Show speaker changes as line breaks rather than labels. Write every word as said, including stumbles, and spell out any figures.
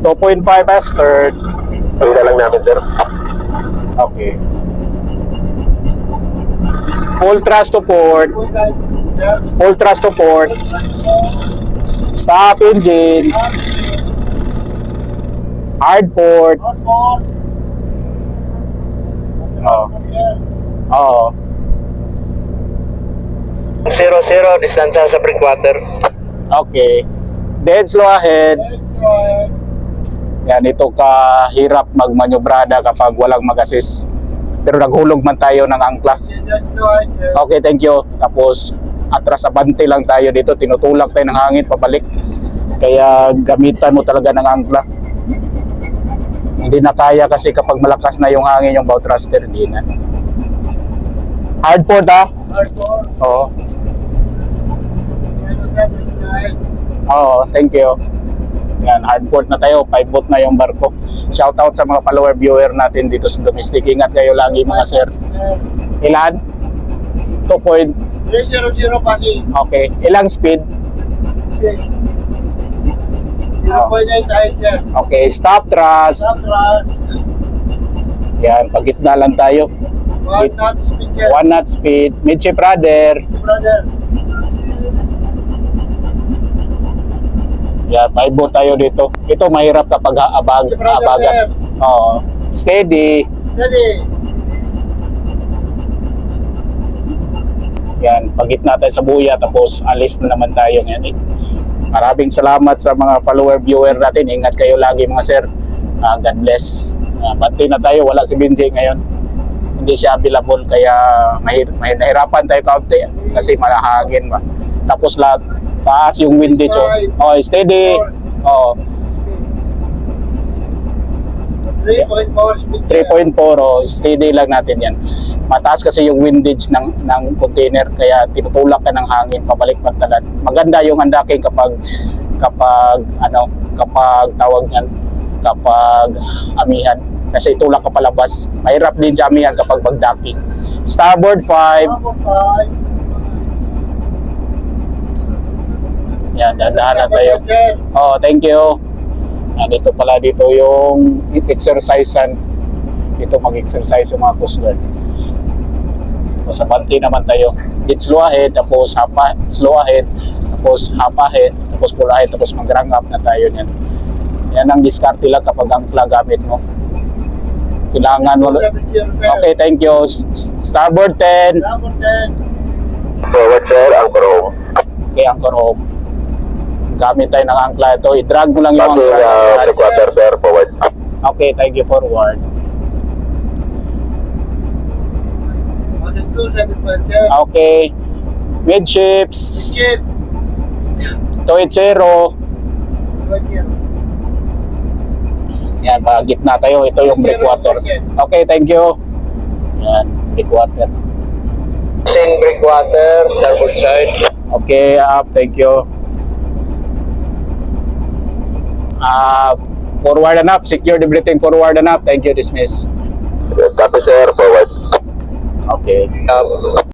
two point five Astert.
Pagkita lang namin, sir.
Okay. Full thrust to port. Full thrust to port. Stop engine. Hard port. Oh. Oo.
Zero, zero, distansya sa breakwater.
Okay. Dead slow ahead. Yan, ito kahirap magmanyobrada kapag walang mag-assist. Pero naghulog man tayo ng angkla. Okay, thank you. Tapos atras abante lang tayo dito. Tinutulak tayo ng hangin pabalik. Kaya gamitan mo talaga ng angkla. Hindi na kaya kasi kapag malakas na yung hangin yung bow thruster, hindi na. Hard port ha?
Hard port.
Oo. Oo, thank you. Yan, hard port na tayo. five boat na yung barko. Shout out sa mga follower viewer natin dito sa domestic. Ingat kayo lagi mga sir. Ilan? two point.
three hundred passing.
Okay. Ilang speed?
zero point eight height, sir.
Okay. Stop thrust.
Stop thrust.
Yan, pagitna lang tayo.
One knot speed, sir.
One knot speed. Midship rudder.
Brother.
Yan, five boat tayo dito. Ito mahirap kapag abag, abagan. Oo. Steady.
Ready.
Yan, pagitna tayo sa buya tapos alis na naman tayo ngayon. Eh. Maraming salamat sa mga follower viewer natin. Ingat kayo lagi mga sir. Uh, God bless. Uh, Bati na tayo, wala si Benji ngayon. Hindi siya available kaya mahir mahir nahirapan tayo kaunti kasi malahagin ba. Tapos lahat taas yung windage. Oh, oh steady. Oh,
three point four speed, sir.
three point four oh, steady lang natin 'yan. Mataas kasi yung windage ng ng container kaya tinutulak ka ng hangin pabalik pagtalan. Maganda yung andaking kapag kapag ano, kapag tawag niyan, kapag amihan kasi tulak ka palabas. Mahirap din sa amihan kapag magdaki. Starboard five.
Five.
Yan, dahan-dahan na tayo. Oh, thank you. Yan, dito pala dito yung exercisean. Dito mag-exercise yung mga Coast Guard. So, sa panty naman tayo. It's slow ahead, tapos hapa, slow ahead, tapos hapa ahead, tapos full ahead, tapos mag-rang up na tayo niyan. Yan ang diskarte lang kapag angkla gamit mo. Kailangan mo. Okay, thank you. Starboard ten.
Starboard ten.
Forward, sir, anchor home.
Okay, anchor home. Gamit tayo ng angkla ito. I-drag mo lang yung
Passing,
angkla.
uh, breakwater, sir, forward.
Okay, thank you, forward.
Passing two seven five, sir.
Okay. Midships.
Skip.
two eighty.
Right here.
Yan, gitna tayo. Ito yung breakwater. Okay, thank you. Yan, breakwater.
Passing breakwater, starboard side.
Okay, up. Thank you. Uh, forward and up. Secure the breathing. Forward and up. Thank you. Dismiss.
Copy, sir, forward.
Okay.
Um,